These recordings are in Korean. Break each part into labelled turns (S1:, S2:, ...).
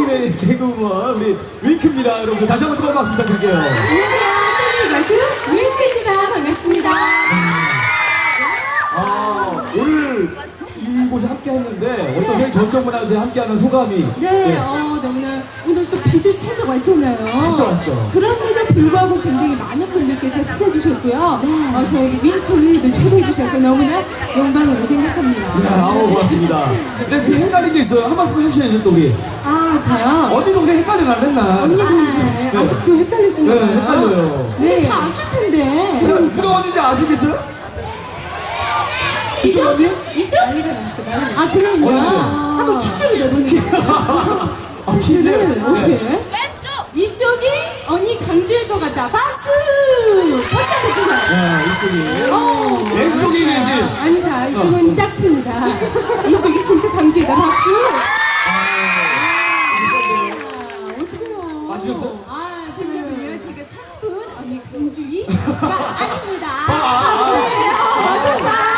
S1: 국내 개그우먼 우리 윙크입니다. 여러분들 다시 한번 뜨거운 박수 부탁드릴게요.
S2: 안녕하세요. 팬의 가수 윙크입니다. 반갑습니다.
S1: 오늘 이곳에 함께 했는데 어떠세요? 전통문화제 함께하는 소감이?
S2: 네, 너무나 오늘 또 비도 살짝 왔잖아요.
S1: 진짜 왔죠.
S2: 그런데도 불구하고 굉장히 많은 분들께서 찾아주셨고요. 저에게 윙크를 초대해 주셔서 너무나 영광으로 생각합니다.
S1: 네, 고맙습니다. 근데 헷갈린 게 있어요. 한 말씀 해주셔야죠, 또 우리.
S2: 저요?
S1: 언니 동생 헷갈리나 맨날.
S2: 언니 동생 아직도 헷갈리시나요?
S1: 네, 헷갈려요.
S2: 네, 다 아실 텐데.
S1: 누가 언니인지 아시겠어요? 이쪽 언니?
S2: 이쪽? 그러면요. 한번 퀴즈를 내보니까.
S1: 퀴즈?
S2: 어떻게?
S1: 네.
S2: 이쪽이 언니 강주일 것 같다. 박수! 박수 한번 치자.
S1: 이쪽이. 왼쪽이 계신.
S2: 아니다. 이쪽은 짝퉁이다. 이쪽이 진짜 강주이다. 박수! 어떡해요.
S1: 맞으셨어요?
S2: 정답은요. 제가 3분 언니 강주이가 아닙니다. 강주예요. 맞았어.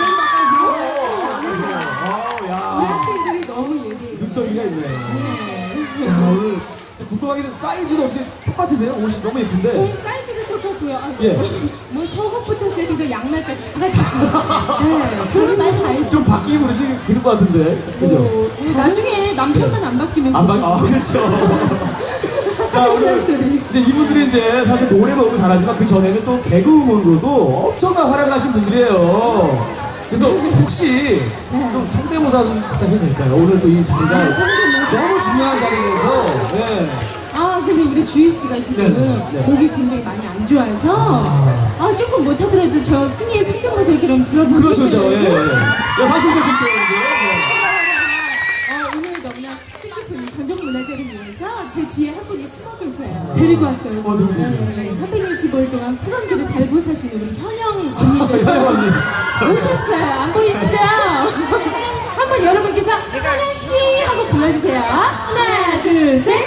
S2: 우리 학생들이 너무 예리해요.
S1: 눈썹이가 있네. 자, 오늘 궁금하게는 사이즈도 어떻게 똑같으세요? 옷이 너무 예쁜데.
S2: 저희 사이즈도 똑같고요.
S1: 예.
S2: 뭐 속옷부터 시작해서 양말까지 다 같으시네요. 네, 그런 말 사이즈.
S1: 좀 바뀌고 그럴 것 같은데. 그죠?
S2: 나중에 남편만 안 바뀌면
S1: 그렇죠. 자, 오늘 근데 이분들이 이제 사실 노래도 너무 잘하지만 그 전에는 또 개그우먼으로도 엄청난 활약을 하신 분들이에요. 그래서 혹시 좀 성대모사 좀 부탁해도 될까요? 오늘 또 이 자리가 너무 중요한 자리라서. 네.
S2: 근데 우리 주희 씨가 지금
S1: 네.
S2: 목이 굉장히 많이 안 좋아서 조금 못하더라도 저 승희의 성대모사 그럼 들어보실까요?
S1: 그렇죠. 예. 방송 좀 듣게요.
S2: 오늘 너무나 뜻깊은 이 전통문화제를 위해서 제 뒤에 한 분이 숨어 계세요. 데리고 왔어요.
S1: 누구?
S2: 365일 동안 쿨감기를 달고 사시는 우리 현영 언니께서
S1: 현영 언니.
S2: 오셨어요. 안 보이시죠? 한번 여러분께서 현영씨 하고 불러주세요. 하나, 둘, 셋.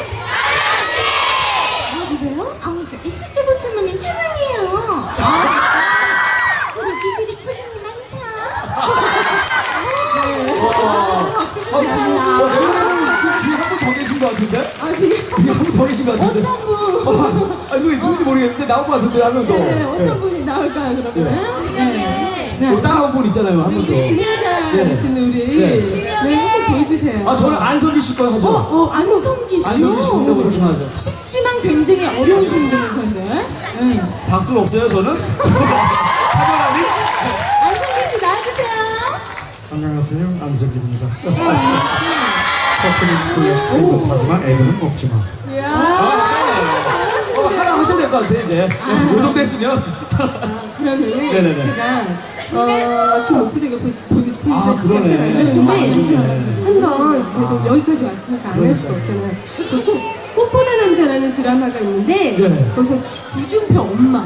S2: 불러주세요. 저 있을 때 웃으면 현영이에요. 우리 기들이 고생이 많다.
S1: 뒤에 한 분 더 계신 것 같은데?
S2: 뒤에
S1: 한 분 더 계신 것 같은데?
S2: 어떤 분?
S1: 누군지 모르겠는데 나온 것 같은데 한 명 더.
S2: 네, 어떤 분이 나올까요, 그러면? 네.
S1: 다른 한 분 있잖아요, 한 분 더.
S2: 우리 진행자 되시는 우리. 한번 보여주세요.
S1: 저는 안성기 씨 거 하죠.
S2: 안성기 씨요?
S1: 안성기 씨 성대모사 좀 하죠.
S2: 쉽지만 굉장히 어려운 성대모사인데.
S1: 박수는 없어요, 저는? 카메라니?
S2: 안성기 씨 나와주세요.
S3: 안녕하세요, 안석기입니다. 커플은 못하지만 애들은 먹지마.
S2: 이야.
S1: 하나 하셔야 될 것 같아, 이제. 요 정도 했으면.
S2: 그러면은
S1: 네네네.
S2: 제가 지금 목소리가 보이시죠?
S1: 그러네.
S2: 한번 그래도 여기까지 왔으니까 안 할 수가 없잖아요. 그래서 꽃보다 남자라는 드라마가 있는데
S1: 네.
S2: 거기서 구준표 엄마.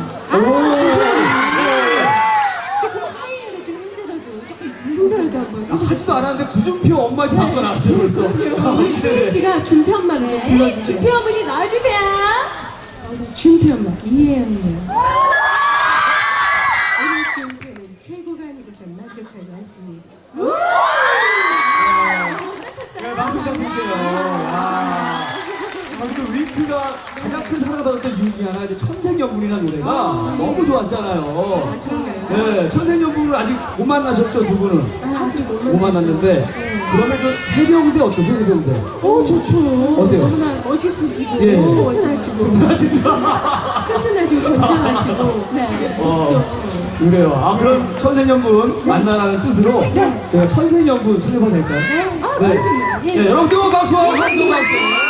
S2: 조금 하이인데 좀 힘들어도 한번.
S1: 하지도 않았는데 구준표 엄마한테 박수가 나왔어요, 벌써.
S2: 우리 승희 씨가 준표 엄마를 좀 불러주세요. 준표 어머니 나와주세요. 준표 엄마 이해합니다. 우리 준표는 최고가 아니고선 만족하지 않습니다.
S1: 네, 박수 부탁드릴게요. 사실 그 윙크가 가장 큰 사랑을 받았던 이유 중에 하나 이제 천생연분이라는 노래가 너무 좋았잖아요. 네, 천생연분을 아직 못 만나셨죠, 두 분은?
S2: 아직
S1: 못 만났는데. 그러면 저 해병대 어떠세요, 해병대?
S2: 좋죠.
S1: 어때요?
S2: 너무나 멋있으시고,
S1: 예.
S2: 튼튼하시고, 튼튼하시고, 건장하시고, 멋있죠.
S1: 그래요. 그럼 천생연분 만나라는 뜻으로 제가 천생연분 찾아봐도 될까요?
S2: 알겠습니다.
S1: 네, 여러분 뜨거운 박수와 함성 박수.